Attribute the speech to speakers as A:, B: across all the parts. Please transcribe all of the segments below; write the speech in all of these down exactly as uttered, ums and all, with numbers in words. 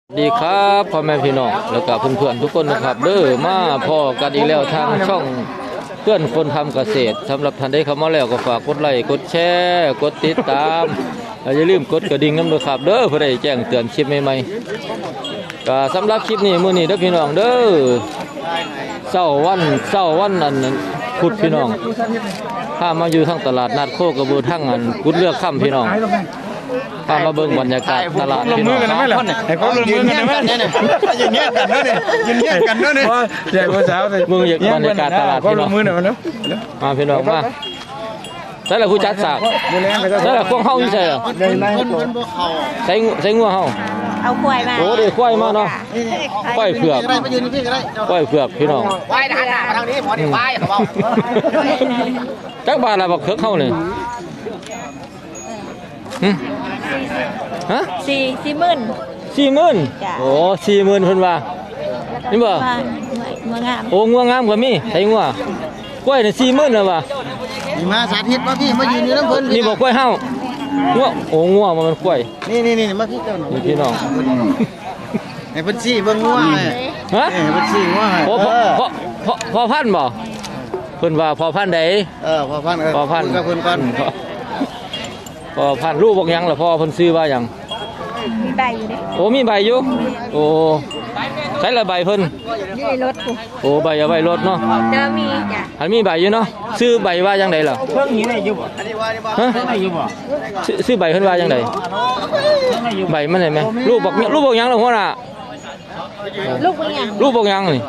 A: ดีครับพ่อแม่พี่น้องแล้วก็เพื่อนๆทุกคนนะครับเด้อมาพ่อกันอีกแล้วทางช่องเพื่อนคนทำเกษตรสำหรับท่านใดเข้ามาแล้วก็ฝากกดไลค์กดแชร์กดติดตามอย่าลืมกดกระดิ่งน้ำด้วยครับเด้อเพื่อได้แจ้งเตือนคลิปใหม่ๆก็สำหรับคลิปนี้มื้อนี้เด้อพี่น้องเด้อเช้าวันเช้าวันอันพุธพี่น้องถ้ามาอยู่ทางตลาดนัดโคกระบือทั้งอันกุดเลือกค่ำพี่น้องพามาเบิ่งบรรยากาศตลาดพี่น้อง
B: ไอ้เขาลงมือกันไหมเนี่ยอย่างเงี้ยกันเนาะเนี่ยอย่างเงี้ยกันเนาะเนี่ยใหญ่กว่าสาวเลย
A: มึงอยากบรรยากาศตลาดพี่น้องมาพี่น้องมาใช่ละผู้จัดสากใช่ละพวกเฮาอยู่ใช่เหรอใส่ใส่งัวเฮา
C: เอาควายมา
A: โอ้เดี๋ยวควายมาเนาะควายเผือกควายเผือกพี่น้อง
B: ควายทางหน้ามาทางนี้หมอนี่ควายเขาบอก
A: จักบาทละบักเขือกเฮานี่ฮะ
C: สี่สี่หมื่น
A: สี่หมื่นโอ้สี่หมื่นเพิ่นว่านี่บ่
C: งัวงาม
A: โอ้งัวงามก็มีใส่งัวกล้วยนี่สี่หมื่นน่ะว่ะ
B: มาสาธิตมาพี่มายืนอยู่น้ำเพิ่น
A: นี่บ่กล้วยเฮางัวโอ้งัวมันกล้วย
B: นี่นี่นี่มาพี่เจ้า
A: นี่พี่น้อง
B: ให้เพิ่นชี้เบิ่งงัว
A: ฮะ
B: ให้เพิ่นชี้งัว
A: โอ้พอพอพอพันบ่เพิ่นว่าพอพันใด
B: เออพอพันเออ
A: พอพัน
B: กับเพิ่นก่อน
A: พอพันรูปบอกยังล่ะพ่อเพิ่นซื้อว่าหยัง
C: มีใบอยู่ดิ
A: โอ้มีใบอยู่โอ้ใช้ละใบเพิ่น
C: อยู่ในรถกู
A: โอ้ใบเอาไว้รถเนาะ
C: จะมีจ้ะ
A: อันมีใบอยู่เนาะซื้อใบว่าจังได๋ล่ะ
B: เพิ่งนี้ได้อยู่บ่อันนี้ว่านี่บ่ฮะได้อยู่บ่
A: ซื้อใบเพิ่นว่าจังได๋ใบมันได้มั้ยรูปบอกรูปบอกยังล่ะพ่อน่ะ
C: ลูกบอกยัง
A: รูปบอกยังนี่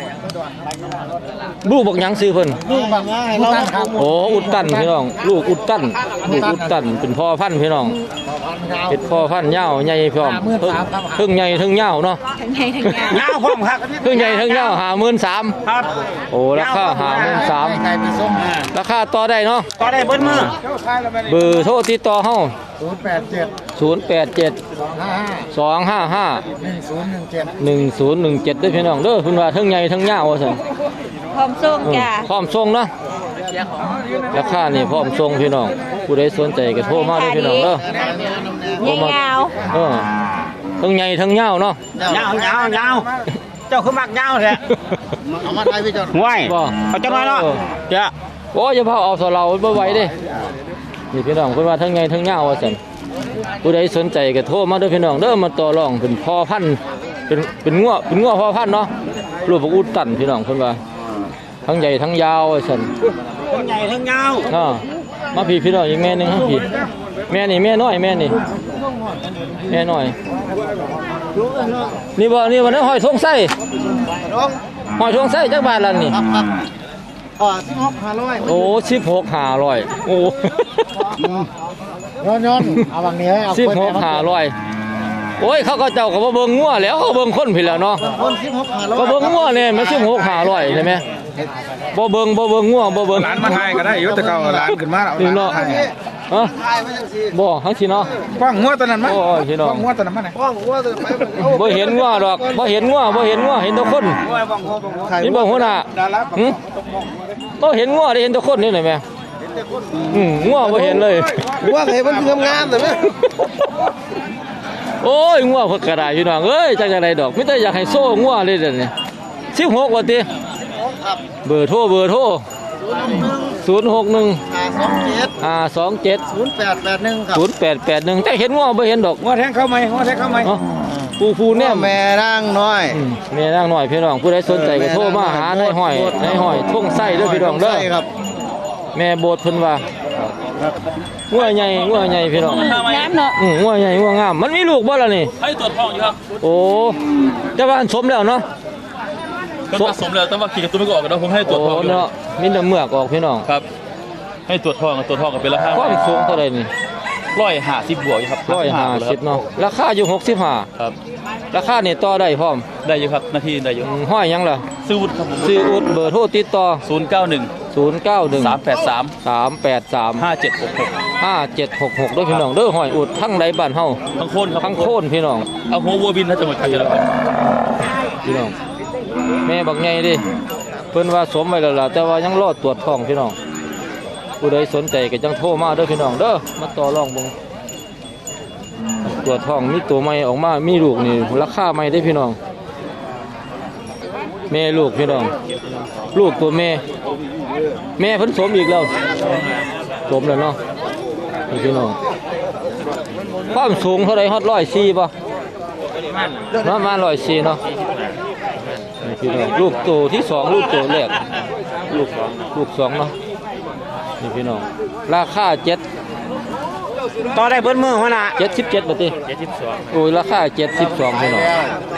A: ลูกบอกยังซื้อเพิ่น
B: ลูกบอกยังให้เราครับ
A: โอ้อุดตันพี่น้องลูกอุดตันลูกอุดตันเป็นพ่อพันธุ์พี่น้องเป็นพ่อพันธุ์ยาวใหญ่พร้อมเพิ่งใหญ่ถึงยาวเนาะ
C: ทั้งใหญ่ทั้งยาวย
B: าวพร้อมครับ
A: เพิ่งใหญ่ถึงยาวห้าหมื่นสาม
B: ครับ
A: โอ้ราคาห้าหมื่นสามราคาต่อได้เนาะ
B: ต่อได้เบิ้ลมือ
A: เบอร์โทรติดต่อเฮา
B: ศูนย์แปดเจ็ด
A: ศูนย์แปดเจ็ดสองห้าห้า
B: หนึ่งศูนย์หนึ่งเจ็ด
A: หนึ่งศูนย์หนึ่งเจ็ดด้วยพี่น้องเด้อเพิ่นว่าทั้งใหญ่ทั้งยาวว่าซั่น
C: พร้อมส่งจ้ะ
A: พร้อมส่งเนาะราคานี่พร้อมส่งพี่น้องผู้ใดสนใจก็โทรมาเด้อพี่น้องเด้
C: อยาว
A: เออทั้งใหญ่ทั้งยาวเนาะ
B: ยาวยาวยาวเจ้าคือมักยาวแท้เอามาไทยพี่เจ้าห่วยบ่เอาจังได๋เนาะจ้ะ
A: โอ้อย่าพาเอาซะเราบ่ไหวเด้นี่พี่น้องเพิ่นว่าทั้งใหญ่ทั้งยาวว่าซั่นผู้ใดสนใจก็โทรมาเด้อพี่น้องเด้อมาต่อรองเป็นพ่อพันธุ์เป็นเป็นงัวเป็นงัวพ่อพันธุ์เนาะรูปอุดตันพี่น้องเพิ่นว่าทั้งใหญ่ทั้งยาวว่าซั่น
B: ทั้งใหญ่ทั้งยาว
A: เนาะมาพี่พี่น้องอีกแม่นึงฮะพี่แม่นี่แม่น้อยแม่นี่แม่น้อยนี่บ่นี่บ่ได้ห้อยทงไส้ห้อยทงไส้จักบาทล่ะนี่
B: อ๋อสิบหกห้าร้อย
A: โอ้สิบหกห้าร้อยโอ้
B: ย้อนย้อนเอาบางนี้เอา
A: สิบหกห้าร้อยโอ้ยเขาก็เจ้าก็บ่เบิ่งงัวแล้วเขาเบิ่งคนผิดแล้วเนาะ
B: คนสิบหกห้าร้อย
A: ก็เบิ่งงัวเนี่ยมันสิบหกห้าร้อยใช่ไหมบ่เบิ่งบ่เบิ่งงัวบ่เบิ่ง
B: ร้านมาไทยก็ได้อยู่แต่เก่าร้านขึ้นมาแล้ว
A: นี่เนาะฮะบ่ทั้งสิเนาะ
B: ป้องงัวตอนนั้นมั้ย
A: โอ้ยพี่น้อง
B: ป้องงัวตอนนั้นมั้ยป้องงัวตอนนั้น
A: บ่เห็นงัวดอกบ่เห็นงัวบ่เห็นงัวเห็นแต่คนนี่บ่หัวหน้าหึบ่เห็นงัวได้เห็นแต่คนนี่เลยแม่อืมงัวบ่เห็นเลย
B: งัวเห็นมันงามๆแต่แม่
A: โอ้ยงัวเพิ่นก็ได้พี่น้องเอ้ยจักจังได๋ดอกมีแต่อยากให้โซ่งัวเลยเด้อนี่สิบหกว่าติเบอร์โทรเบอร์โทรศูนย์หกหนึ่ง ห้าสองเจ็ด ศูนย์แปดแปดหนึ่งครับศูนย์แปดแปดหนึ่งแต่เห็นงัวบ่เห็นดอก
B: งัวแทงเข้าไหมงัวแทงเข้าไหม
A: ผู้ผู้แน่
B: แม่นางน้อย
A: แม่นางน้อยพี่น้องผู้ใดสนใจก็โทรมาหานายห้อยนายห้อยทุ่งไส้เด้อพี่น้องเด้อแม่โบดเพิ่นว่างัวใหญ่งัวใหญ่พี่น้อง
C: งามเนาะ
A: อืองัวใหญ่งัวงามมันมีลูกบ่ล่ะนี่
D: ให้ตรวจท้องอยู่ครับ
A: โอ้แต่ว่าสมแล้วเนาะ
D: ก็ผสมแล้วแต่ว่าขี่กับตัวไม่ออกกันนะผมให้ตรวจท้อง
A: เนาะมีแต่เมือกออกพี่น้อง
D: ครับให้ตรวจท้องกับตรวจท้องกันเป็นราคา
A: ความสูงเท่าไหร่นี่
D: ร้อยห้าสิบบวกครับ
A: ร้อยห้าสิบเนาะราคาอยู่หกสิบห้า
D: ครับ
A: ราคานี่ต่อได้พร้อม
D: ได้อยู่ครับนาทีได้อยู่
A: ห้อยยังล่ะ
D: ซื้อวุฒิครับ
A: ซื้ออุดเบอร์โทรติดต่อ
D: ศูนย์เก้าหนึ่ง
A: ศูนย์เก้าหนึ่ง
D: สามแปดสาม
A: สามแปดสาม
D: ห้าเจ็ดหกหก
A: ห้าเจ็ดหกหกด้วยพี่น้องเด้อห้อยอุดทั้งใดบ้านเฮา
D: ทั้งโค่นครับ
A: ทั้งโค่นพี่น้อง
D: เอาหัววัวบินถ้าจังหวัดชัยภูมิ
A: พี่น้องแม่บักใหญ่ดิเพิ่นว่าสมไว้แล้วล่ะแต่ว่ายังรอตรวจท้องพี่น้องผู้ใดสนใจก็จังโทรมาเด้อพี่น้องเด้อมาต่อรองเบิ่งตัวทองมีตัวใหม่ออกมามีลูกนี่ราคาใหม่ได้พี่น้องแม่ลูกพี่น้องลูกตัวแม่แม่เพิ่นสมอีกแล้วสมแล้วเนาะนี่พี่น้องความสูงเท่าไรฮอดร้อยสี่ป่ะประมาณร้อยสี่เนาะนี่พี่น้องลูกตัวที่สองลูกตัวแรกลูกสองลูกสองเนาะนี่พี่น้องราคาเจ็ด
B: ต่อได้เบิ้ลมือหัวหน้า
A: เจ็ดสิบเจ็ดบาทดิโอ้ยราคาเจ็ดสิบสองพี่น้อง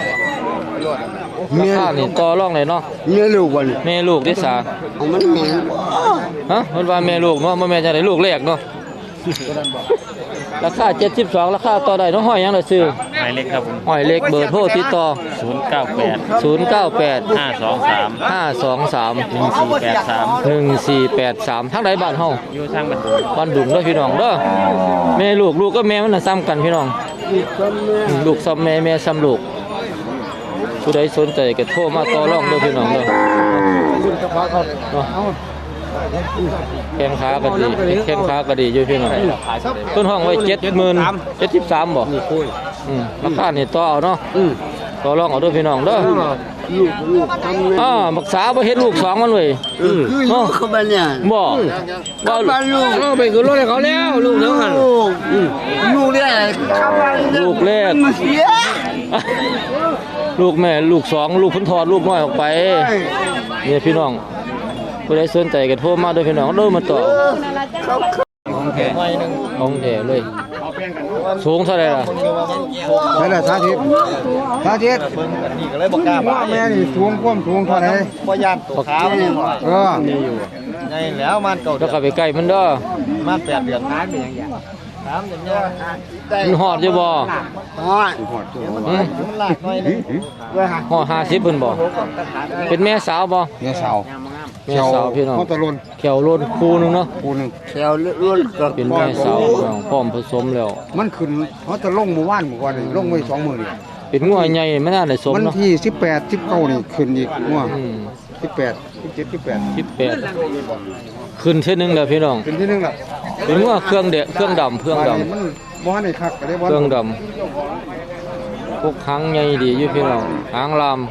A: ราคานี่ต่อรองเลยเนาะ
E: เมียลูกวัน
A: แม่ลูกที่สา
E: เอามันแม่
A: ฮะมันว่าแม่ลูกเนาะบ่แม่จะได้ลูกแรกเนาะราคาเจ็ดสิบสองราคาต่อได้เนาะห้อยยังได้ซื้อ
B: หมายเลขครับผม
A: ห้อยเล็กเบอร์โทรติดต่อ
B: ศูนย์เก้าแปด
A: ศูนย์เก้าแปด
B: ห้าสองสาม
A: ห้าสองสาม
B: หนึ่งสี่แปดสาม
A: หนึ่งสี่แปดสามทั้งใดบ้านเฮา
B: อยู่ทางบัน
A: บ้านดุงเด้อพี่น้องเด้อแม่ลูกลูกก็แม่มันน่ะซ้ำกันพี่น้องอืมลูกซ้ำแม่แม่ซ้ำลูกผู้ใดสนใจก็โทรมาต่อรองเด้อพี่น้องเด้อเนาะแข้งขาก็ดีแข้งขาก็ดีอยู่พี่น้องต้นห้องไว้เจ็ดหมื่นเจ็ดสิบสามบ่อืมราคานี่ต่อเอาเนาะต่อรองเอาเด้อพี่น้องเด้อ
E: ลูกลูกทำแม่
A: อ่าบักษาบ่เฮ็ดลูกสองมันเว้ย
E: คืออยู่เขาบ้านเนี่ย
A: บ่บ่
E: บ้านลูก
A: เอาไปขึ้นรถให้เขาแล้วลูกเด้อหั่น
E: ลูกลูกเนี่ยเข้าบ้าน
A: ลูกแรก
E: มันเสีย
A: ลูกแม่ลูกสองลูกเพิ่นถอดลูกน้อยออกไปนี่พี่น้องผู้ใดสนใจก็โทรมาเด้อพี่น้องเด้อมาต่อของแท้ของแท้เลยสูงเท่าไหร่ล่ะ
E: นั่นแหละสาธิตสาธิตว่าแม่นี่สูงความสูงเท่าไหร่
F: บ่ยานตัวขาวนี่
E: เออ
F: ไงแล้วมันเก่า
A: แล้วก็ไปใกล้มันเด้อ
F: มันแปดเดือนน้ำเป็นอย่างเงี้ยน้ำอย่างเงี้ย
A: มันฮอดอยู่บ่
E: ฮอด
A: อืม
F: มันลากหน่อยนึง
A: ฮอดห้าสิบเพิ่นบ่เป็นแม่สาวบ่
E: เมียสาว
A: แม่สาวพี่น้อง
E: เขาตะลน
A: แขวโลนคู่หนึงเนาะ
E: ปูนึง
F: แถวล้วนกับ
A: เป็นแม่สาวพี่น้องพร้อมผสมแล้ว
E: มันขึ้นเขาจะลงเมื่อวานเมื่อวานนี่ลงไว้สองมื้อนี่
A: เป็นงัวใหญ่ไม่น่าได้สม
E: วัน
A: เนาะ
E: ที่สิบแปด สิบเก้านี่ขึ้นอีกงัว
A: อืม
E: สิบแปด สิบเจ็ด สิบแปด
A: สิบแปดขึ้นเท่านึงแล้วพี่น้อง
E: เป็นที่หนึงล่ะ
A: เป็นงัวเครื่องเดะเครื่องดำเครื่องดำ
E: มันบ่ทันได้คักก็ได้บ่
A: เครื่องดำพวกหางใหญ่ดีอยู่พี่น้องหางลาม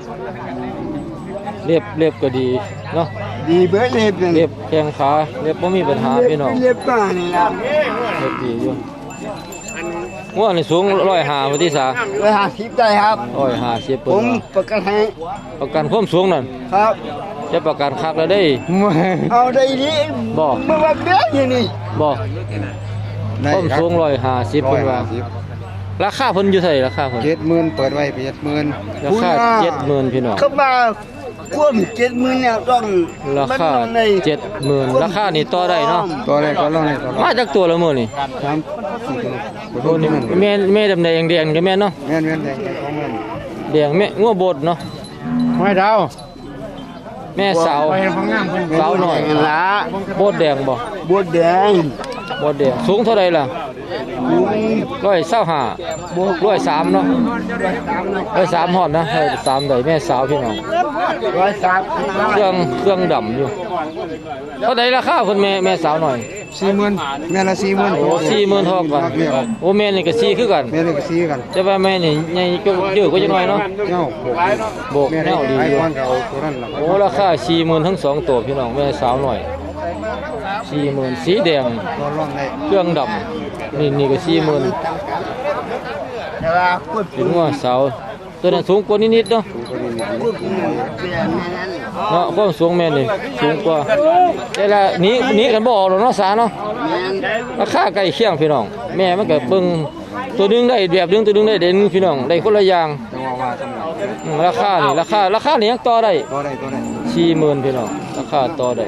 A: เรียบเรียบก็ดีเนาะ
E: ดีเบิดเลยเป็น
A: เรียบแข้งขาเรียบบ่มีปัญหาพี่น้อง
E: เรียบป้านี่ล่ะ
A: เรียบดีอยู่งัวนี่สูงร้อยห้าพอที่สา
E: ร้อยห้าสิบได้ครับ
A: ร้อยห้าสิบ
E: ผ
A: เพิ่น
E: ม
A: ว่า
E: ประกันให้
A: ประกันความสูงนั่น
E: ครับ
A: จะประกันคักแล้วได้
E: เอาได้ดี
A: บ่
E: เมื่อวันเบี้ยอย่างนี้
A: บ่ความสูงร้อยห้าสิบเพิ่นว่าราคาเพิ่นอยู่เท่าไหร่ราคาเพิ่น
E: เจ็ดหมื่นเปิดไว้เจ็ดหมื่น
A: ราคาเจ็ดหมื่นพี่น้อง
E: เข้ามาควมเจ็ดหมื่นเนี่ยต้อง
A: ราคาเจ็ดหมื่นราคานี่ต่อได้เนาะ
E: ตัวแรกก็ลองเลยตัว
A: มาจากตัวละมื้อนี่
E: สามสี่ตัว
A: โอ้นี่แม่แม่ดำแดงแดงก็แม่นเนาะ
E: แม่นแม่นแดงของแม่น
A: แดงแม่งัวบดเนาะ
E: ไม่ดาว
A: แม่สาว
E: ไปของงามเพิ่น
A: สาวหน่อย
E: ละ
A: บดแดงบ่
E: บัวแดง
A: บดแดงสูงเท่าใดล่ะร้อยเศร้าห้าร้อยสามเนาะร้อยสามฮอดนะร้อยสามได้แม่สาวพี่น้อง
E: ร้อยสาม
A: เครื่องเครื่องดำอยู่เท่าใดราคาเพิ่นแม่แม่สาวหน่อย
E: สี่หมื่นแม่ละสี่หมื่น
A: โอ้สี่หมื่นเท่ากันโอ้แม่นี่ก็สี่คือกัน
E: แม่นี่ก็สี่กัน
A: แต่ว่าแม่นี่ใหญ่ก็เยอะกว่าจังหน่อยเนาะ
E: เจ้า
A: โบก
E: แม่
A: แน
E: ได้
A: วดี
E: ไอ้
A: อยู่
E: ก้อนก็เอาตัวนั้นล่ะ
A: โอ้ราคาสี่หมื่นทั้งสองตัวพี่น้องแม่สาวหน่อยสี่หมื่นสีแดง
E: ตัวร่องได้
A: เครื่องดำนี่นี่ก็สี่หมื่น
E: แต่ว่าพูด
A: ถึงว่าสาวตัวนั้นสูงกว่านิดๆเนาะ
E: พูดแม่นั้น
A: เนาะความสูงแม่นี่สูงกว่าแต่ละหนี้นี้กันบ่ออกหรอกเนาะสาเนาะ
E: แม่น
A: ราคาใกล้เคียงพี่น้องแม่มันก็เบิ่งตัวหนึงได้แบบหนึงตัวหนึงได้เด่นพี่น้องได้คนละอย่าง
E: จังหวะว่าจังหวะ
A: อืมราคานี่ราคาราคานี่ยังต่อได้
E: ตัวใดตัวใด
A: สี่หมื่นพี่น้องราคาต่อได้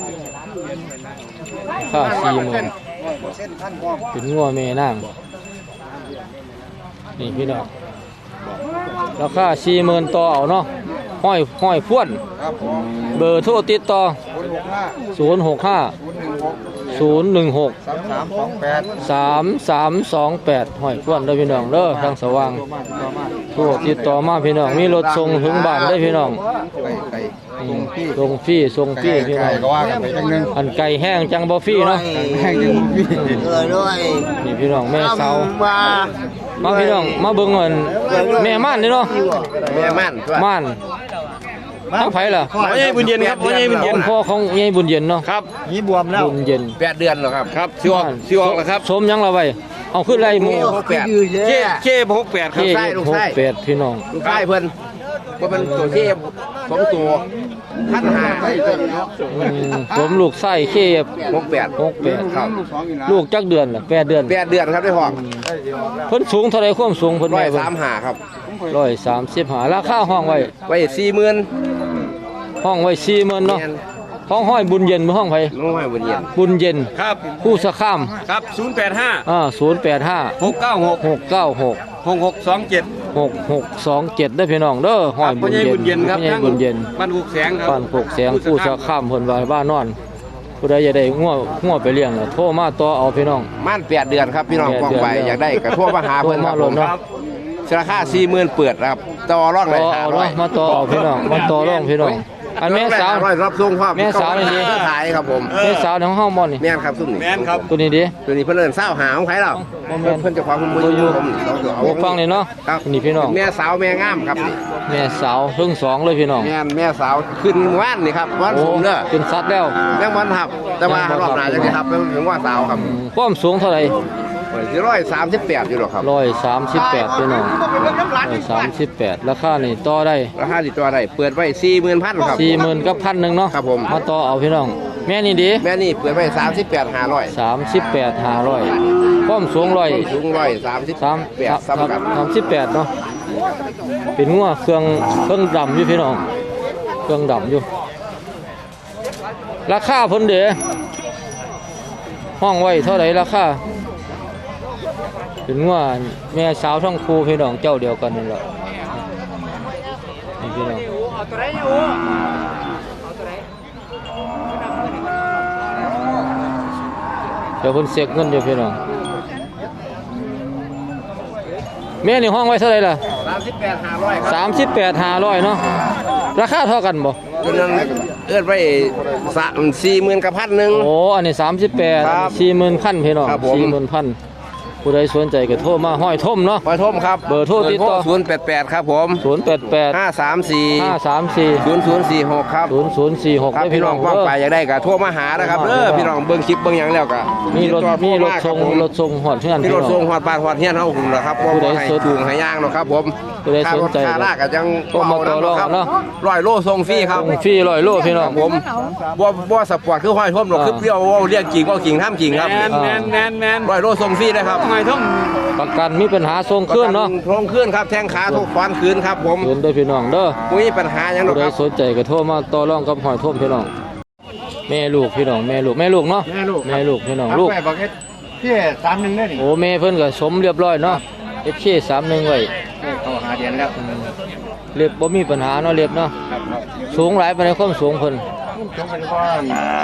A: ราคาสี่หมื่น
E: เส้นพันพร้อม
A: เป็นงัวแม่นางนี่พี่น้องราคาสี่หมื่นต่อเอาเนาะห้อยห้อยพ่วน
E: ครับผม
A: เบอร์โทรติดต่อ
E: ศูนย์หกห้า
A: ศูนย์หกห้า
E: ศูนย์หนึ่งหก
A: ศูนย์หนึ่งหก
E: สามสามสองแปด
A: สามสามสองแปดห้อยพ่วนเด้อพี่น้องเด้อทางสว่าง
E: ตัวมาตัวมา
A: โทรติดต่อมาพี่น้องมีรถส่งถึงบ้านได้อพี่น้อง
E: ไก่ไก่ส่งพี่
A: ทรงฟรีทรงฟรีพี่น้อง
E: ก็ว่ากันไปจังนึง
A: อันไก่แห้งจังบ่ฟรีเนาะ
E: แห้งจังพี่
B: เออด้วย
A: นี่พี่น้องแม่สาว
B: มา
A: มาพี่น้องมาเบิ่งเงินแม่ม่านนี่เนาะ
B: แม่มัน
A: ม่านทั้งไผล่ะ
B: หมอใหญ่บุญเย็นครับหมอใหญ่บุญเย็น
A: พ่อของยายบุญเย็นเนาะ
B: ครับ
E: นี่บวมแล้ว
A: บุญเย็น
B: แปดเดือนแล้วครับครับสิออกสิออกแล้วครับ
A: สมยังละไว้เอาขึ้นไรหมู่
B: หกแปดเจ๊เจ๊หกแปดครับ
A: เก้
B: ใช่ลูก
A: หก
B: ไส้
A: แปดพี่น้อง
B: ลูกไส้เพิ่นว่าเป็นตัวเจ๊สองตัวพันหา
A: อืมผมลูกไส้เคบ
B: หกแปด
A: หกแปด
B: ครับ
A: ลูกจักเดือนล่ะแปดเดือน
B: แปดเดือนครับได้ห้อง
A: เพิ่นสูงเท่าไรความสูงเพิ่น
B: ร้อ
A: ไว้
B: ย
A: เบิ่ง
B: สามหาครับ
A: ร้อยสามสิบห้าราคาห้องไว้
B: ไว้สี่หมื่น
A: ห้องไว้สี่หมื่นเนาะห้องห้อยบุญเย็นบ่ห้องไผ
B: น้องไม้บุญเย็น
A: บุญเย็น
B: ครับ
A: ผู้สะข้าม
B: ครับศูนย์แปดห้า
A: อ่าศูนย์แปดห้า
B: หกเก้าหก
A: หกเก้าหก
B: หกหกสองเจ็ด
A: หกหกสองเจ็ดได้อพี่น้องเด้อห้อยบุญเย็น
B: บุญเย็นครับ
A: พ่อใหญ่บุญเย็น
B: บ้านหุกแสงครับ
A: บ้านโคกแสงผู้สะข้ามเพิ่นว่าบ้านนอนผู้ใดอยากได้งัวงัวไปเลี้ยงน่ะโทรมาต่อเอาพี่น้อง
B: ม่านแปดเดือนครับพี่น้อง
A: แปด
B: กอง
A: เดือน
B: ไปอยากได้กระทั่วมาหาเพิ่นครับ
A: โทร
B: ผม
A: มาโลดเนาะ
B: ครับราคาสี่หมื่นเปิดครับต่อรองเล
A: ต่
B: ย
A: อ
B: ห้า
A: เอา
B: ร้อ
A: เนาะ
B: ย
A: มาต่อเอาพี่น้องมาต่อรองพี่น้องอันแม่สาว
B: ร้อยรับส่งความ
A: แม่สาวนี่สิ
B: ขายครับผม
A: แม่สาวของเฮาบ่นี่
B: แม่นครับซุ่มนี่แม่นครับ
A: ตัวนี้ดิ
B: ตัวนี้เพิ่นเอิ้นเศร้าหาของใครเรา
A: บ่แม่น
B: เพิ่นเจะความคุณบุญ
A: ตัวอยู่
B: ผมเราจะเอา
A: โอ้ฟังนี่เนาะ
B: ครับ
A: นี่พี่น้อง
B: แม่สาวแม่งามครับนี่
A: แม่สาวเพิ่งสองเลยพี่น้อง
B: แม่นแม่สาวขึ้นว่านนี่ครับว่าน
A: โอ้
B: สูงเด้อ
A: เป็นสัตว์แล้ว
B: แม่งวันทับแต่ว่า
A: แม่งบ่ทับ
B: รอบหน้าจะได้ทับเป็นถึงว่าสาวครับ
A: อืมความสูงเท่าไหร่
B: สี่ร้อยสามสิบแปดอยู่หรอกครับ
A: ร้อยสามสิบแปดพี่น้องร้อยสามสิบแปดราคานี่ต่อได้
B: ราคาติดตัวได้เปิดไว้สี่หมื่นพันครับ
A: สี่หมื่นกับพันหนึ่งเนาะ
B: ครับผม
A: มาต่อเอาพี่น้อง แม่นี่ดี
B: แม่นี่เปิดไว้สามสิบแปดห้าร้อย
A: สามสิบแปดห้าร้อยความสูงร้อย
B: สูงร้อยสามสิบ
A: สาม
B: แปดซ้ำกัน
A: สามสิบแปดเนาะเป็นงัวเครื่องเครื่องดำอยู่พี่น้องเครื่องดำอยู่ ราคาเพิ่นเด้ห้องไว้เท่าไหร่ราคาเป็นงัวแม่สาวทั้งคู่พี่น้องเจ้าเดียวกันนี่แหละนี่พี่น้องเดี๋ยวเพิ่นเสกเงินอยู่พี่น้องแม่นี่ห้องไว้เท่าไหร่ล่ะ
B: สามสิบแปดห้าร้อยครับ
A: สามสิบแปดห้าร้อยเนาะราคาเท่ากันบ่
B: ตัวนั้นเอื้อนไว้สามสี่หมื่นกับพันหนึ่ง
A: โอ้อันนี้สามสิบแปด
B: ครับ
A: สี่หมื่นพันพี่น้อง
B: ครับผม
A: สี่หมื่นพันผู้ใดสนใจก็โทรมาห้อยท่มเนาะ
B: ปอยทมครับ
A: เบอร์โทรติดต่อ
B: ศูนย์แปดแปดครับผม
A: ศูนย์แปดแปด
B: ห้าสามสี่
A: ห้าสามสี่
B: ศูนย์ศูนย์สี่หกครับ
A: ศูนย์ศูนย์สี่หก
B: ครับ
A: ได้
B: พี่
A: พี่
B: น้
A: น้
B: อ
A: อง ง
B: ป้อง
A: เด้อ
B: ไปอยากได้ก็โทรมาหานะครับเออพี่น้องเบิ่งคลิปเบิ่งหยังแล้วก็
A: มีรถ
B: ติดต่อ
A: มีรถ
B: โท
A: ส่ง
B: มาคบผม
A: รถส่งหอดเพื่อน
B: มี
A: พี่
B: ร
A: น้
B: ถ
A: อง
B: ส่งหอดบ้านหอดเฮียนเฮาหุ่นนะครับ
A: ผู้ใด
B: ให้
A: สน
B: จูงให้ย่างเนาะครับผม
A: ผู้ใดสนใจ
B: ค่ารถค่าลากก็ยัง
A: โทรมาต่อรองเนาะ
B: ร้อยโลส่งฟรีครับ
A: ส่งฟรีร้อยโลพี่น้อง
B: ผมบ่บ่สปอร์ตคือห้อยท่มหรอก
A: อ่า
B: คือเปรี้ยวเว้าเรียกจริงเว้าจริงทำจริงครับ
A: แม่นแม่นแม่นแม่น
B: ร้อยโลส่งฟรีนะครับห้อยท่ม
A: ประกันมีปัญหาส่งเคลื่อนเนาะ
B: โครงเคลื่อนครับแทงขาทุกฟันคืนครับผม
A: เงินได้อพี่น้องเด้อ
B: บ่มีปัญหาหยังหรอ
A: ผู้
B: ก
A: ใด
B: ครับ
A: สนใจก็โทรมาต่อรองกับหอยท่มพี่น้องแม่ลูกพี่น้องแม่ลูกแม่ลูกเนาะ
E: แม่ลูก
A: แม่ลูกพี่น้องลูก
E: ไปบอกให้พี่สามหนึ่งได้นี่
A: โอ้แม่เพิ่นก็สมเรียบร้อยเนาะ เอฟ เค สามสิบไว้
E: เขาหาเดือนแล้ว
A: เล็บบ่มีปัญหาเนาะเล็บเนาะ
E: ครับครับ
A: สูงหลายปานใดความสูงเพิ่น
E: จงเป็นก้อน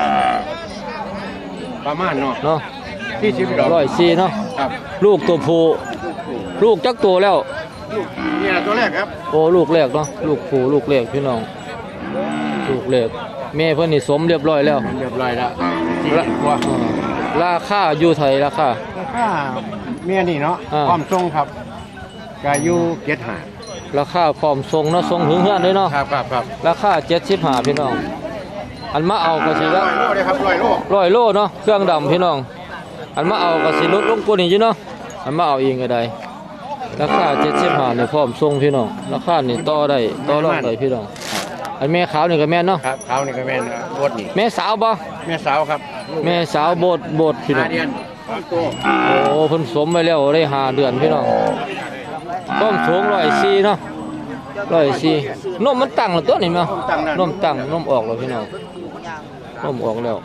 E: ประมาณเนาะ
A: เนาะ
E: ที่สิบดอก
A: ร้อยสี่เนาะ
E: ครับ
A: ลูกตัวผู้ลูกจักตัวแล้ว
E: นี่ตัวแรกครับ
A: โอ้ลูกแรกเนาะลูกผู้ลูกแรกพี่น้องลูกแรกแม่เพิ่นนี่สมเรียบร้อยแล้ว
E: เรียบร้อยแล้ว
A: ละอ่าราคาอยู่ไทยราคา
E: ค่าเมียนี่เนาะ
A: อ่า
E: ความทรงครับกายูเกียรติหา
A: ราคาพร้อมส่งเนาะส่งถึงเฮือนเลยเนาะ
E: ครับครับครับ
A: ราคาเจ็ดสิบห้าพี่น้องอันมาเอาก็สิละ
E: ร้อยโลเลยครับร้อยโล
A: ร้อยโลเนาะเครื่องดำพี่น้องอันมาเอาก็สิลดลงกว่านี้อยู่เนาะอันมาเอาเองก็ได้ราคาเจ็ดสิบห้านี่พร้อมส่งพี่น้องราคานี่ต่อได้ต่อรองได้พี่น้องอันแม่ขาวนี่ก็แม่นเนาะ
E: ครับเขานี่ก็แม่นโบดนี่
A: แม่สาวบ่
E: แม่สาวครับ
A: แม่สาวโบดโบดพี่น้
E: หา
A: อง
E: เดือนสองตัว
A: โอ้เพิ่นสมไปแล้วได้ห้าเดือนพี่น้องต้มสูงร้อยสี่เนาะร้อยสี่นมมันตั้งแล้วตัวนี้มั้ยนมตั้งนมออกแล้วพี่น้องนมออกแล้ว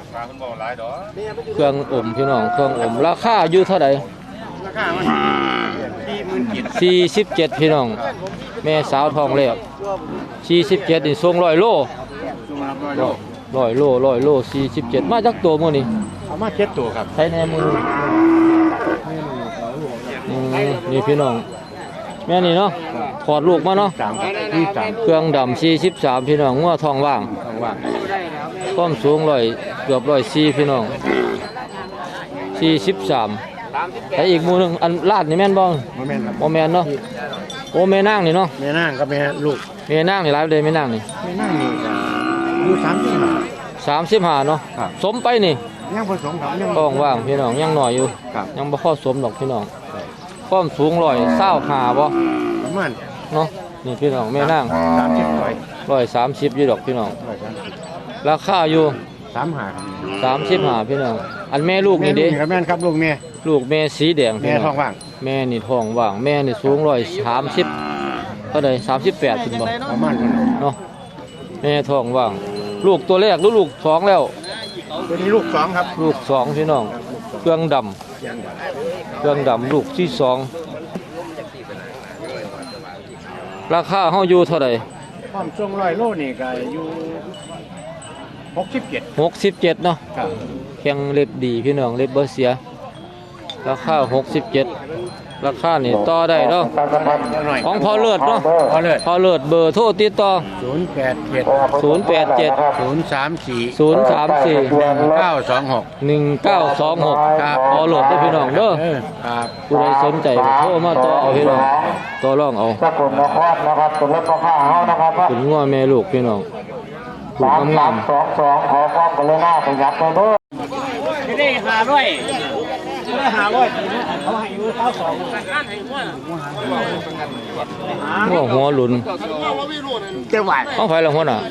A: เครื่องอมพี่น้องเครื่องอมราคาอยู่เท่าไหร่
E: ราคามันสี่หมื่นเจ็ด
A: สี่สิบเจ็ดพี่น้องแม่สาวทองแรกสี่สิบเจ็ดนี่ส่งร้อยโล
E: ร้อยโล
A: ร้อยโลร้อยโลสี่สิบเจ็ดมาจากตัวมื้อนี้
E: เอามาเจ็ดตัวครับ
A: ใช้แน่มืออืมนี่พี่น้องแม่นี่เนาะอดลูกมาเนาะ
B: สามที่สาม
A: เครื่องดำสี่สิบสามพี่น้องงัวทองว่าง
B: ว่าง
A: ความสูงร้อยเกือบร้อยสี่พี่น้องสี่สิบสามแต่อีกหมู่หนึงอันลาดนี่แม่นบ่
B: โมเมนต์ครับ
A: บ่แม่นเนาะโอ้แม่นางนี่เนาะ
B: แม่นั่งกับแม่ลูก
A: แม่นางนี่หลายเลยแม่นางนี่
B: แม่นั่งนี่อยู่สามที่หา
A: สามสิบห้าเนาะ
B: ครับ
A: สมไปนี่
B: ยังผสมครับยัง
A: ท้องว่างพี่น้องยังน้อยอยู่
B: ครับ
A: ยังบ่พอสมดอกพี่น้องความสูงร้อยเศร้าหาบ่
B: ประมาณ
A: เนาะนี่พี่น้องแม่นาง
B: สามสิบร้อย
A: ร้อยสามสิบอยู่ดอกพี่น้อง
B: ร้อยสามสิบ
A: ราคาอยู่
B: สามหาครับ
A: สามสิบห้าพี่น้องอันแม่ลูกนี่เด้
B: ครับแม่นครับลูกแม่
A: ลูกแม่สีแดงพี่
B: แม่
A: น้
B: ท้องว่าง
A: แม่นี่ท้องว่างแม่นี่สูงร้อยสามสิบเท่าใดสามสิบแปดถึงบ่
B: ประมาณนั้น
A: เนาะแม่ท้องว่าง ลูกตัวแรกหรือลูกสองแล้ว
B: ตัวนี้ลูกสองครับ
A: ลูกสองพี่น้องเครื่องดำเครื่องดำลูกที่สองราคาเฮาอยู่เท่าใด
B: ความสูงร้อยโลนี่ก็อยู่หกสิบเจ็ด
A: หกสิบเจ็ดเนาะ
B: ครับ
A: แข็งเล็บดีพี่น้องเล็บบ่เสียราคาหกสิบเจ็ดราคานี่ต่อได้เนาะของพอเลิศเนาะ
B: พอเลย
A: พอเลิศเบอร์โทรติดต่อ
B: ศูนย์แปดเจ็ด
A: ศูนย์แปดเจ็ด
B: ศูนย์สามสี่
A: ศูนย์สามสี่
B: เก้าสองหก
A: หนึ่งเก้าสองหก
B: ครับ
A: พอเลิศได้อพี่น้องเด้อ
B: เออครับ
A: ผู้ใดสนใจก็โทรมาต่อเอาพี่น้องต่อรองเอา
E: สกุลนครนะครับเป็นรถพ่อข้าเฮานะครับ
A: ขุนงัวแม่ลูกพี่น้องลูก
E: สาม
A: งาม
E: สองสองขอความกรุณาประหยัดไปด้วย
B: ไม่ได้หาร้อยไม่ได้หาร้อยเขาให้อยู่เก้าสอง
A: ๆงัวหัวหลุน
B: เจ้าหวาน
A: เอาไผละหัวหน่ะ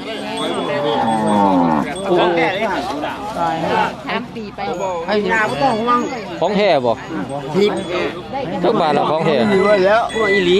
B: ของแก่เลยค่ะ
C: ถามปีไป
B: ไอ้ยาไม่ต้องห่วง
A: ของแท้บ่
B: ทิพ
A: จักบาทละของแท้
B: ดีไว้แล้วพวกอีหลี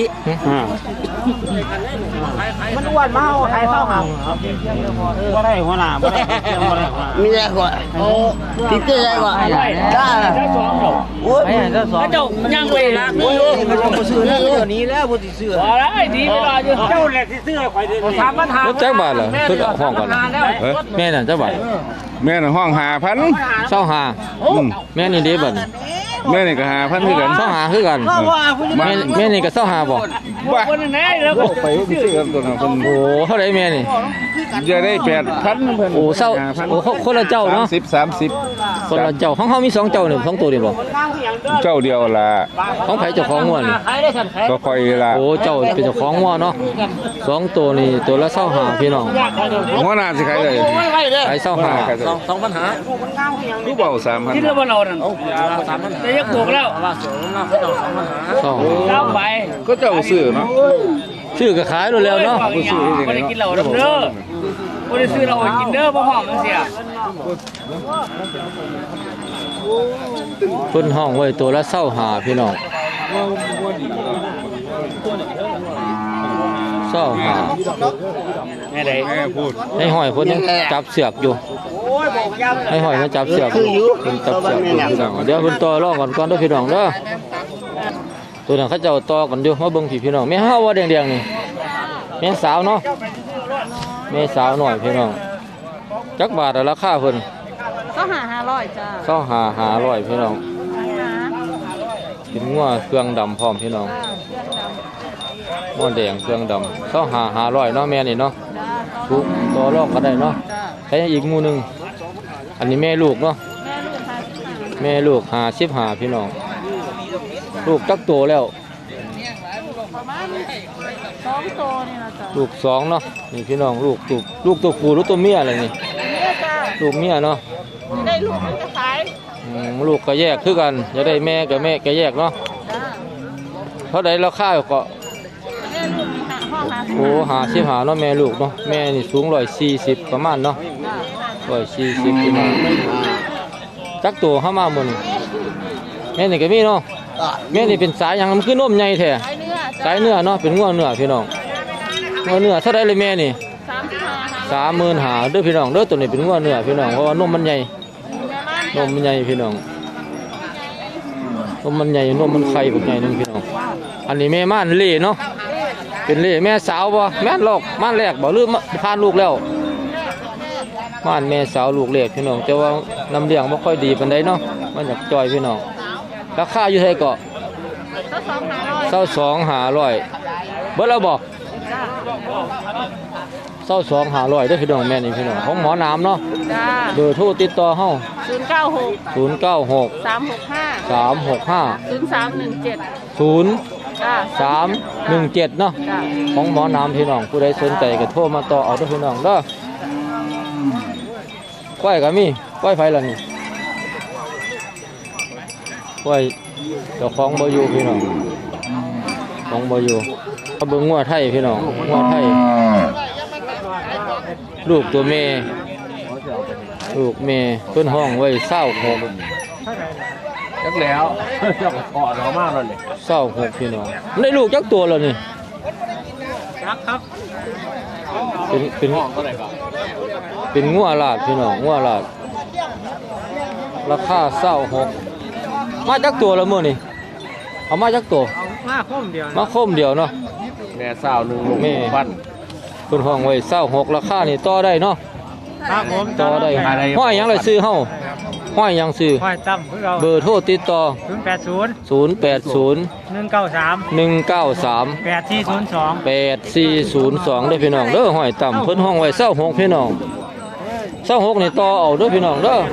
B: มันอ้วนมากใครเข้าหาบ่ได้หัวหน้าบ่ได้บ่ได้มีแต่กว่าโอ้ทิพย์ได้กว่าได้ได้สองดอกโอ้ยได้สองเจ้าย่างไปละโอ้ยมันบ่ซื้อแล้วเดี๋ยวนี้แล้วบ่สิซื้อบ่ได้ดีเวลาอยู่เจ้าแหละสิซื้อข่อยเด้อถามปัญหาร
A: ถจักบาทล่ะเพิ่นเอาห้องก่อนล่ะแม่นั่นจักบาท
G: แม่น่ะห้องหาพัน
A: เศร้าหาแม่นี่เด้บัด
G: แม่นี่ก็หาพันคือกัน
A: เศร้าหาคือกันแม่แม่นี่ก็เศร้าหาบ่
G: บ้าไปซื้อกันตัวนั้นเพิ่น
A: โอ้เท่าไหร่แม่นี่
G: จะได้แปดพันเพิ่น
A: โอ้เศร้าโอ้คนละเจ้าเนาะ
G: สามสิบสามสิบ
A: คนละเจ้าของเฮามีสองเจ้านี่สองตัวนี่บ่
G: เจ้าเดียวล่ะ
A: ของไผเจ้าของงัวนี่
G: ก็ค่อยล่ะ
A: โอ้เจ้าเป็นเจ้าของงัวเนาะสองตัวนี่ตัวละเศร้าหาพี่น้อง
G: หัวหน้าสิขายได้
A: ขายเศร้าหา
G: สองสองปัญหาคือเบาสามพัน
B: คิดว่าเรานั่นจะยกถูกแล้ว
A: เศร้าหา
B: เอาไป
G: ก็เจ้าซื้อเนาะ
A: ชื่อก็ขายดูแล้วเนาะ
G: ผู้ซื้อที่ไหน
B: บ่ได้
G: เนาะ
B: กินเหล้าเด้อบ่ได้ซื้อเหล้ากินเด้อบ่หอมจังซี่อ่ะ
A: เพิ่นห้องไว้ตัวละเศร้าหาพี่น้องเศร้าหา
B: แม่ใด
G: แม่พูด
A: ให้หอยเพิ่นยังจับเสือกอยู่
B: โอ้ยบอกยาม
A: ให้หอยมันจับเสือกอยู่เพิ่นจับเสือกอยู่พี่น้องเดี๋ยวเพิ่นต่อรองกันก่อนเด้อพี่น้องเด้อตัวนั้นเขาเจ้าต่อกันอยู่มาเบิ่งพี่พี่น้องแม่เฮาว่าแดงๆนี่แม่สาวเนาะแม่สาวหน่อยพี่น้องจักบาทอะราคาเพิ่น
C: ก็หาห้าร้อยจ้า
A: เศร้าหาหาร้อยพี่น้องกินงัวเครื่องดำพร้อมพี่น้องงัวแดงเครื่องดำเศร้าหาหาร้อยเนาะแม่นี่เนาะทุกต่อรองก็ได้เนาะใช้อีกหมู่หนึงอันนี้แม่ลูกเนาะ
C: แม่ลูกค่ะ
A: แม่ลูกหาสิบหาพี่น้องลูกจักโตแล้ว
C: ประมาณสองโตนี่นะจ้า
A: ลูกสองเนาะนี่พี่น้องลูกตัวลูกตัวผู้หรือตัวเมียอะไรนี่
C: เนี่ยจ้า
A: ลูกเมียเนาะ
C: ได้ลูกมันจะขาย
A: อืมลูกก็แยกคือกันจะได้แม่กับแม่ก็แยกเนาะ
C: จ้า
A: เท่าใดราคาก็
C: แม่ลูกมีหาห้องหา
A: โอ้หาสิบหาเนาะแม่ลูกเนาะแม่นี่สูงร้อยสี่สิบประมาณเนาะร้อยสี่สิบพี่น้องจักตัวเข้ามาหมดนี่แม่นี่ก็มีเนาะแม่นี่เป็นสายหยังมันคือนมใหญ่แท้
C: ขายเนื้อ
A: สายเนื้อเนาะเป็นงัวเนื้อพี่น้องงัวเนื้อเท่าไรเลยแม่นี่
C: สามสิบห้าห้า
A: สามหมื่นหาเด้อพี่น้องเด้อตัวนี้เป็นงัวเนื้อพี่น้องเพราะว่านมมันใหญ่
C: แม่มัน
A: นมมันใหญ่พี่น้องนมมันใหญ่นมมันไข่พวกใหญ่นึงพี่น้องอันนี้แม่ม่านเล่เนาะเป็นเล่แม่สาวบ่แม่นลอกม่านแรกบ่หรือผ่านลูกแล้วม่านแม่สาวลูกเล็กพี่น้องแต่ว่าน้ำเลี้ยงบ่ค่อยดีปานใดเนาะมันอยากจ่อยพี่น้องราคาอยู่เท่าไหร่ก็
C: ก็สองหาร้อย
A: เศร้าสองหาร้อยเบิดแล้วบอก
C: จ้า
A: เศร้าสองหาร้อยได้อพี่น้องแม่นี่พี่น้องของหมอน้ำเนาะ
C: จ้า
A: เบอร์โทรติดต่อเฮา
C: ศูนย์เก้าหก
A: ศูนย์เก้าหก
C: สามหกห้า
A: สามหกห้า
C: ศูนย์สามหนึ่งเจ็ด
A: ศูนย์
C: จ้า
A: สามหนึ่งเจ็ดเนาะ
C: จ้า
A: ของหมอน้ำพี่น้องผู้ใดสนใจก็โทรมาต่อเอาเด้อพี่น้องเด้อก้อยก็มีก้อยไฟล่ะนี่ก้อยเจ้าของบ่อยู่พี่น้องของบ่อยู่เอาเบิ่งงัวไทยพี่น้องงัวไทยลูกตัวแม่ลูกแม่เพิ่นห้องไว้เศร้าหก
F: จักแล้วเจ้าขอเรามากเลย
A: เศร้าหกพี่น้องได้ลูกจักตัวแล้วนี่
F: จักครับ
A: เป็นเป็นเป็นงัวลาดพี่น้องงัวลาดราคาเศร้าหกมาจักตัวแล้วมื้อนี่เอามาจักตัว
F: มาคมเดียว
A: มาคมเดียวเนาะ
F: แม่สาวหนึ่งลูก
A: แม่
F: ปั้น
A: เพิ่นห้องไว้เศร้าหกราคานี่ต่อได้เนาะ
F: ครับผม
A: ต่อได้ห้อยหยังล่ะซื้อเฮาห้อยหยังซื้อ
F: ห้อยตั้มเพื่อเรา
A: เบอร์โทรติดต่อ
F: ศูนย์แปดศูนย์
A: ศูนย์ แปด ศูนย์
F: หนึ่งเก้าสาม
A: หนึ่ง เก้า สาม
F: แปดที่ศูนย์สอง
A: แปด สี่ ศูนย์ สองเด้อพี่น้องเด้อห้อยต่ำเพิ่นห้องไว้เศร้าหกพี่น้องเศร้าหกนี่ต่อเอาเด้อพี่น้องเด้อ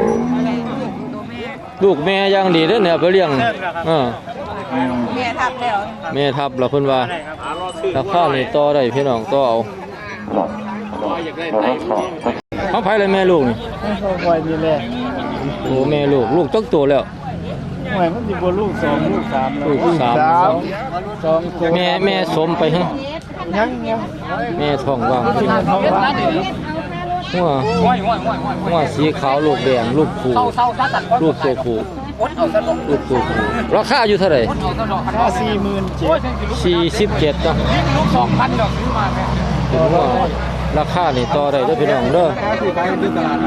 A: ลูกแม่อย่างดีเด้อเนี่ยไปเลี้ยงเออ
C: เมียทับแล้ว
A: แม่ทับแล้วเพิ่นว่าราคานี่ต่อได้พี่น้องต่อเอาเขาไผเลยแม่ลูกนี่
F: ห้อยนี่แหละ
A: โอ้แม่ลูกลูกจักตัวแล้ว
F: ห้อยมันจะบนลูกสองลูกสาม
A: ลูกสาม
F: สองตัว
A: แม่แม่สมไปฮะ
F: ยังยัง
A: แม่ท้องว่าง
F: ที่มันท้องว่าง
A: หัวหัวสีขาวลูกแดงลูกผูลูกตัวผูลูกตัวผูราคาอยู่เท่าไหร่
F: ห้าสี่หมื่นเจ็ด
A: สี่สิบเจ็ดเนาะ
F: สองพันดอกซื้อมาแม่
A: ถึงว่าราคานี่ต่อได้เด้อพี่น้องเด้อ
F: ที่ไปที่ตลาด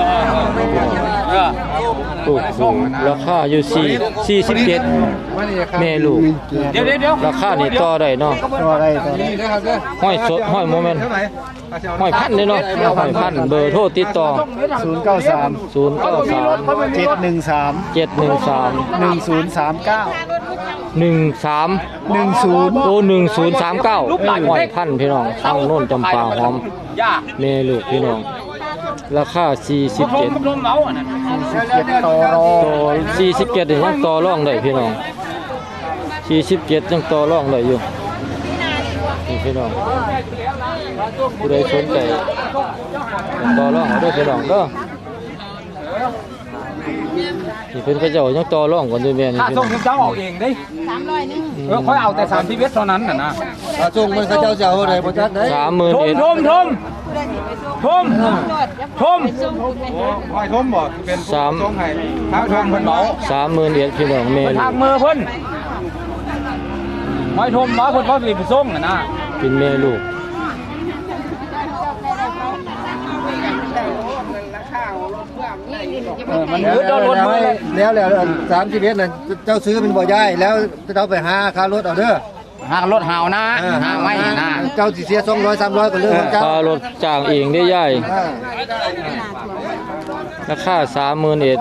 A: ลูกผูราคาอยู่สี่สี่สิบเจ็ดแม่ลูก
F: เดี๋ยวเดี๋ยว
A: ราคานี่ต่อได้เนาะ
F: ตัวอะไรตัวนี้
A: ห้อยสดห้อยโมเมนต์ห้อยพันเนาะห้อยพันเบอร์โทรติดต่อ
F: ศูนย์เก้าสาม
A: ศูนย์ เก้า สาม
F: เจ็ดหนึ่งสาม
A: เจ็ด หนึ่ง สาม
F: หนึ่งศูนย์สามเก้า
A: หนึ่ง สาม
F: หนึ่งศูนย์
A: โตหนึ่งศูนย์สามเก้าห้อยพันพี่น้องตั้งโน่นจำปาหอมแม่ลูกพี่น้องราคาสี่สิบเจ็ด
F: เจ็ดต่อรอ
A: ต่อสี่สิบเจ็ดยังต่อรองได้พี่น้องสี่สิบเจ็ดยังต่อรองได้อยู่นี่พี่น้องผู้ใดสนใจต่อรองเอาเด้อพี่น้องเด้อนี่เพิ่นก็เจ้ายังต่อรองกันด้วยแม่นี่
F: ถ้า
A: พี่
F: ส่
A: น้
F: ง
A: อง
F: เจ้าออกเองได้เออค่อยเอาแต่สามสิบเวทเท่านั้นน่ะนะ
E: ถ้าส่งมันเขาเจ้าเจ้าอะไรบ่จักได้
A: สามหมื่น
F: ทม
A: เอ็ด
F: ทมทมทมทม
E: ห้อยทมบ่เป็น
A: สาม
E: ส่งให้ถ้าทมเพิ่นเบา
A: สามหมื่นเอ็ดพี่น้องแม่
F: ไป
A: ลู
F: ทาก งมือเพิ่นไม่ทมมาเพิ่นเขาสิไปส่งน่ะนะ
A: เป็นแม่ลูก
F: เออมัน
E: แล้ว
F: มืดโดนรถมือเลย
E: แล้วแล้วสามสิบเอ็ดน่ะเจ้าซื้อเป็นบ่ย้ายแล้วเจ้าไปหาค่ารถเอาเด้อ
F: หารถหาวนะหาไม่นะ
E: เจ้าสิเสียสองร้อยสามร้อยก็เรื่องของเจ้า
A: ค่ารถจ้างเองได้ย่ายราคาสามหมื่นเอ็ด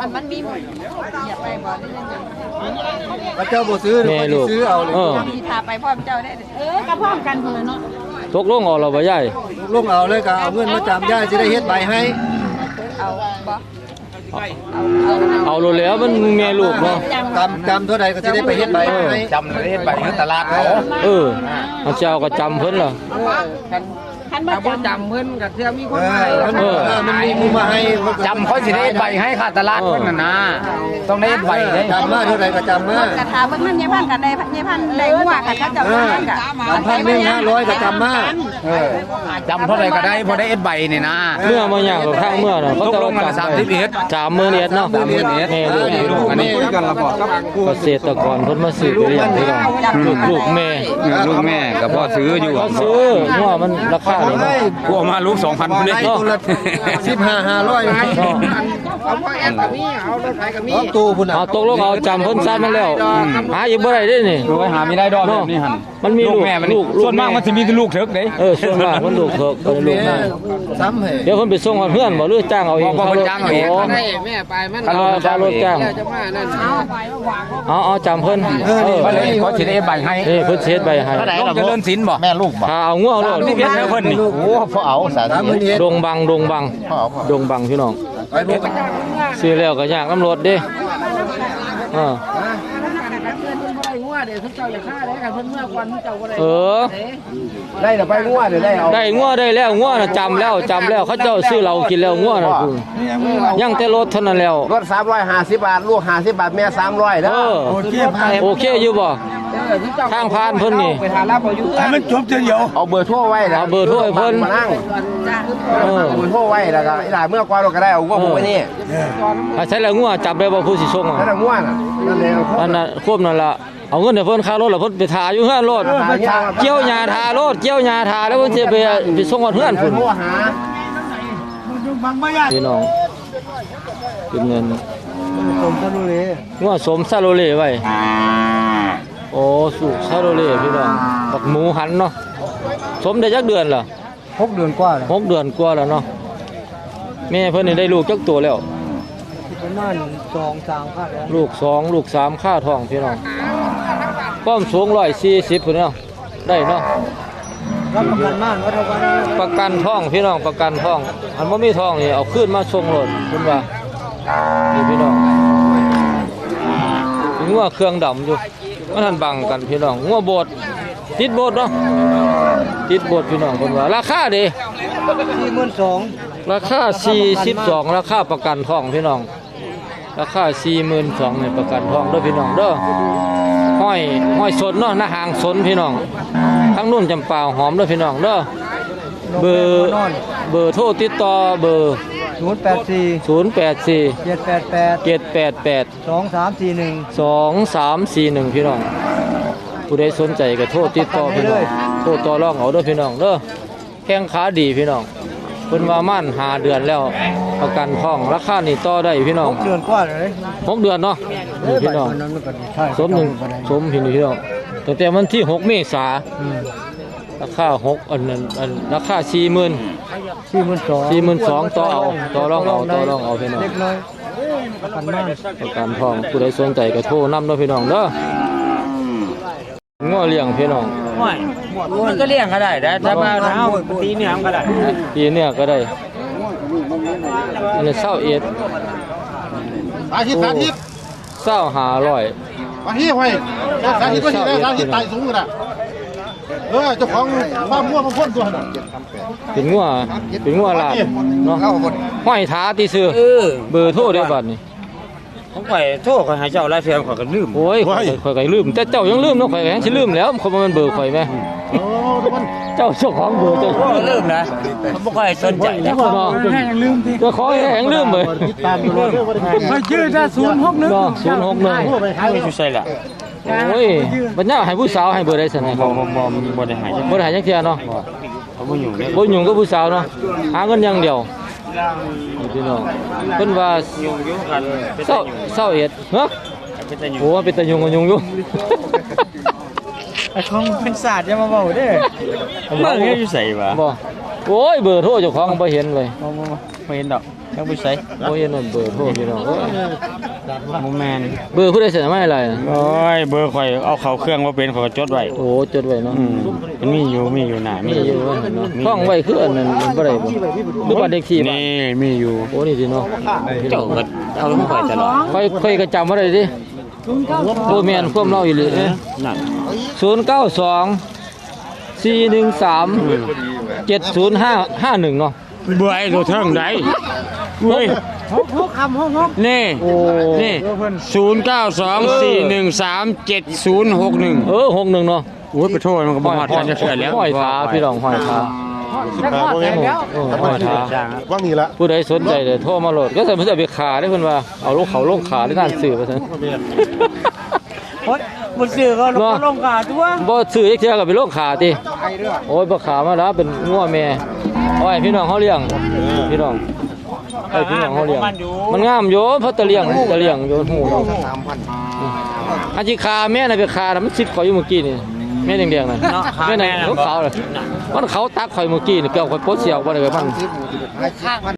E: ถ้าเจ้าบ่ซื้อ
A: แม่
E: ก็
A: ลู
E: สิ
A: ก
E: ซื้อเอาเลย
A: เออ
C: มีทาไปพร้อมเจ้าได้เออก็พร้อมกันคนละเนาะ
A: ตกลงเอาเราบ่ย่าย
E: ลงเอาเลยก็เอาเงินมาจำย้ายสิได้เฮ็ดใบให้
C: เอาบ่
A: เอาโลแล้วมันแม่ลูกเนาะ
E: จำจำเท่าใดก็สิได้ไปเฮ็ดใบให้
F: จำเลยไปที่ตลาดเขา
A: เออเอาเจ้าก็จำเพิ่นล่ะ
C: คันบ่จำเพิ่นก็เทื่อมีค
E: เอน
C: ให้
E: อมันเออมันมีมูมาให้
F: จำเขาสิได้ใบให้ค่าตลาดเพิ่นน่ะนะต้องได้ใบได้
E: จำมาเท่าใดก็จำมาก
C: ระทาเบิ่งมันยายพันกันได้ยายพันได้หัวกันเขาเจ้า
E: เอ
C: ได้
E: อ
C: กัน
E: จำพันหนึ่งห้าร้อยก็จำมา
F: เออจำเท่าไหร่ก็ได้พอได้เอ็ดใบนี่นะ
A: เมื่อมาอย่างกับทางเมื่อน่ะเขา
F: ตก
A: จะ
F: ลงกันสามสิบเอ็ด
A: สามหมื่นเอ็ดเนาะแม่ลูก
F: อันนี้
E: กันละบอกครับ
A: เกษตรกรเพิ่นมาซื้อไปเลี้ยงพี่น้องลูกลูกแม่
G: ลูกแม่กับพ่อซื้ออยู่
A: เขาซื้อว่ามันราคานี่เนาะ
G: กูเอามาลูกสองพันคนนี้
E: ได้ตัวละสิบห้าห้าร้อย
A: เนาะ
F: เอาพ่อแอดกับมีเอารถไถกับมี
E: เอาตู้พุ่นน่ะ
A: เอาตกลงเอาจำเพิ่นซัดมาแล้วหาอีกบ่ได้เด้นี่
G: ดูไว้หามีได้ดอกแบบนี้หั่น
A: มันมี
G: ลู
A: ลู
G: ก
A: ก
G: แม่มัน
A: ลูก
G: ส่วนมากมันสิมีแต่ลูกเถิกเด้
A: เออส่วนมากมันลูกเถกบ่ได้ลูกนาย
E: ซ้ำให้
A: เดี๋ยวเพิ่นไปส่งให้เพื่อนบ่หรือจ้างเอาเอง
G: บ่บ่จ้างเอาเอง
A: โ
F: ได้แม่ไปมัน
A: เอาค่ารถจ้าง
F: จะมานั่น
A: เอาเอาจำเพิ่นเออ
G: ก็เลยเขาสิได้ใบให้
A: นี่เพิ่นเช็ดใบให้
G: ลงเจริญศิลป์บ่
E: แม่ลูกบ่
A: ถ้าเอางัวโลด
G: นี่เพียงแค่เพิ่นนี่
E: โอ้พอเอาสาธิต
A: ดงบังดงบัง
E: พอเอาพอ
A: ดงบังพี่น้องซื้อแล้วก็ยากน้ำรถเด้อ่า เออ
F: ได้แต่ไปงัวเดี๋ยวได้เอา
A: ได้งัวได้แล้วงัวน่ะจำแล้วจำแล้วเขาเจ้าซื้อเรากินแล้วงัวน่ะคุณยังแต่รถเท่านั้นแล้ว
F: รถสามร้อยห้าสิบบาทลูกห้าสิบบาทแม่สามร้อย
A: เอ
F: นะ
A: อโอเคอยู่บ่ทางผ่านเพิ่นนี่
F: ไปหารับเอาอยู่
E: มันจบเดียว
F: เอาเบอร์โทรไว้นะ
A: เอาเบอร์โทรให้เพิ่น
F: มานั่ง
A: เออ
F: เอาเบอร์โทรไว้แล้วก็อีหลาเมื่อก่อนเราก็ได้เอางัวผมไว้นี่
A: ถ้าใช้แล้วงัวจับได้บ่ผู้สิส่งอ่ะ
F: นั่นน่ะงัวน่ะนั่นเลย
A: อันน่ะควบนั่นล่ะเอาเงินให้เพิ่นค่ารถแล้วเพิ่นไปทาอยู่เฮือนรถเกี่ยวหญ้าทารถเกี่ยวหญ้าทาแล้วเพิ่นสิไปไปส่งฮอดเฮือนพุ่น
F: โทรหา
A: พี่น้องเป็นเงิน
E: สมทะลุเลย
A: งัวสมซาโลเล่ไว้โอ้สุซาโลเล่พี่น้องบักหมูหันเนาะสมได้จักเดือนล่ะ
E: หกเดือนกว่าแล้ว
A: หกเดือนกว่าแล้วเนาะแม่เพิ่นนี่ได้ลูกจักตัวแล้ว
E: ประมาณสองสามพันแล้ว
A: ลูกสองลูกสามค่าท้องพี่น้องความสูงร้อยสี่สิบพุ่นเนาะได้เนาะ
E: รับประกันม่านวัฒนวัน
A: ประกันท้องพี่น้องประกันท้องอันบ่มีท้องนี่เอาขึ้นมาส่งรถเพิ่นว่านี่พี่น้องงัวเครื่องดำอยู่มันทันบังกันพี่น้องงัวโบดติดโบดเนาะติดโบดพี่น้องเพิ่นว่าราคาเด้
E: สี่หมื่นสอง
A: ราคาสี่สิบสองราคาประกันท้องพี่น้องราคาสี่หมื่นสองในประกันท้องเด้อพี่น้องเด้อห้อยห้อยสนเนาะหน้าหางสนพี่น้องทั้งนุ่นจำปาหอมเด้อพี่น้องเด้อเบอร์เบอร์โทรติดต่อเบอร์
E: ศูนย์แปดสี่
A: ศูนย์แปดสี่
E: เจ็ดแปดแปด
A: เจ็ดแปดแปด
E: สองสามสี่หนึ่ง
A: สองสามสี่หนึ่งพี่น้องผู้ใดสนใจก็โทรติดต่อพี่น้องโทรต่อรองเอาเด้อพี่น้องเด้อแข้งขาดีพี่น้องเพิ่นว่ามั่นหาเดือนแล้วประกันท้องราคานี่ต่อได้พี่น้อง
E: เดือนกว่าเลย
A: หกเดือนเนาะนี่พี่น้อง
E: นั้นมันก็ใช่
A: สมหนึ่งสมพี่นี่พี่น้องตั้งแต่วันที่หกเมษาราคาหกอันนั้นอันราคาสี่หมื่น
E: สี่หมื่นสอง
A: สี่หมื่นสองต่อเอาต่อรองเอาต่อรองเอาพี่น้อง
E: เล็กน้อยประกันม่าน
A: ประกันทองผู้ใดสนใจก็โทรนำเด้อพี่น้องเด้อง้อเลี้ยงพี่น้อง
B: มันก็เลี้ยงก็ได้แต่ถ้ามาเท้าตีเนี่ยมันก็ได้
A: ปีเนี้ยก็ได้อันนี้เศร้าเอ็ด
E: สาธิตสาธิต
A: เศร้าหาร้อย
E: สาธิตไว้สาธิตก็ที่ได้สาธิตไต่สูงกันอ่ะเออเจ้าของบ้านมั่วมาพ่นตัวน่ะ
A: เป็นงัวเป็นงัวลาดเนาะห้อยท้าตีซื้อ
B: เออ
A: เบอร์โทรได้บัดนี้
B: ผมข่อยโทษข่อยหาเจ้าหลายเทื่อข่อยก็ลืม
A: โอ้ยข่อยข่อยก็ลืมแต่เจ้ายังลืมเนาะข่อยก็ยังสิลืมแล้วเขาบ่แม่นเบอร์ข่อยแม่เจ้าเจ้าของเบอร์เจ้า
B: ก็ลืมนะผมบ่ค่อยสนใจนะ
A: เนาะเจ้าของแหงลืมเบอร์
E: ตามตัวไปชื่อถ้าศูนย์หกหนึ่ง
A: เนาะศูนย์หกหนึ่ง
B: ไม่ใช่ละ
A: โอ้ยบัดนี้ให้ผู้สาวให้เบอร์ได้ซั่นให้
B: บ่
A: เขา
B: บ่บ่บ่ได้หาย
A: บ่ได้ให้จักเที่ยเนาะ
B: เขาบ่อยู่เนี่ย
A: บ่ยุ่งกับผู้สาวเนาะหาเงินอย่างเดียวนี่พี่น้องเพิ่นว่า
B: ยุ่งอยู่กันเป็น
A: เศร้าเศร้าเอ็ดฮะ
B: เป็นแต่ยุ่ง
A: โอ้เป็นตะยุงกันยุงอยู่
E: ของเป็นศาสตร์อย่ามาเบาเด้อ
B: เมื่อกี้อยู่ใส่วะ
A: บ่โอ้ยเบอร์โทรเจ้าของบ่เห็นเลย
B: ไม่เห็นดอกยังบ่ใส่
A: บ่เห็นนั่นเบอร์โทรพี่น้องเอ้ย
B: บ่แม่น
A: เบอร์ผู้ใดเสนอมาให้อะไร
B: โอ้ยเบอร์ข่อยเอาเข้าเครื่องบ่เป็นข่อยก็จดไว้
A: โอ้จดไว้เนาะ
B: อืมมันมีอยู่มีอยู่หน้ามี
A: มีอยู่ว่าเห็นเนาะท่องไว้คืออันนั้นมันบ่ได้บ่หรือว่าเด็กที่บ้าน
B: นี่มีอยู่
A: โอ้นี่สิเนาะ
B: เจ้าก็เอาลงข่อยตลอด
A: ค่อยค่อยก็จำบ่ได้ดิบ่แม่นความเล่าอีหลีเด้
B: นั่น
A: ศูนย์เก้าสอง สี่หนึ่งสาม เจ็ดศูนย์ห้าห้าหนึ่งเนาะ
B: เบื่อไอ้ตัวเทิงได้เฮ้ย
E: หกหกคำหกหก
B: นี่
A: โอ้
B: นี่ศูนย์เก้าสองสี่หนึ่งสามเจ็ดศูนย์หกหนึ่ง
A: เออหกหนึ่งเนาะ
B: โอ้ยไปโทษมันก็บ่ฮอดกันจะเชื่อแล้ว
A: ห้อยขาพี่น้องห้อยขา
E: แล้วก็แต่แล้ว
A: เออห้อยขา
E: ว่างนี่ละ
A: ผู้ใดสนใจเดี๋ยวโทรมาโหลดก็ใส่เพื่อไปขาได้เพิ่นว่าเอาลูกเขาลงขาได้ด้านสื่อไปซั่น
E: โอ๊ยบนสื่อก็ลงลงกาตัว
A: บ่ซื้อจักเทื่อก็ไปลงขาติโอ้ยบ่ขามาแล้วเป็นงัวแม่เอาให้พี่น้องเฮาเลี้ยงพี่น้องไอ้พี่น้องเขาเลี้ยงมันงามอยู่เพราะตะเลี้ยงตะเลี้ยงอยู่หูอาชีคาแม่น่ะไปคาน่ะมันสิบข่อยอยู่เมื่อกี้นี่แม่แดงๆน่ะแม่ไหนเขาเขาเลยมันเขาตักข่อยเมื่อกี้นี่เกี่ยวข่อยโพสเสียวบ่ได้กับมัน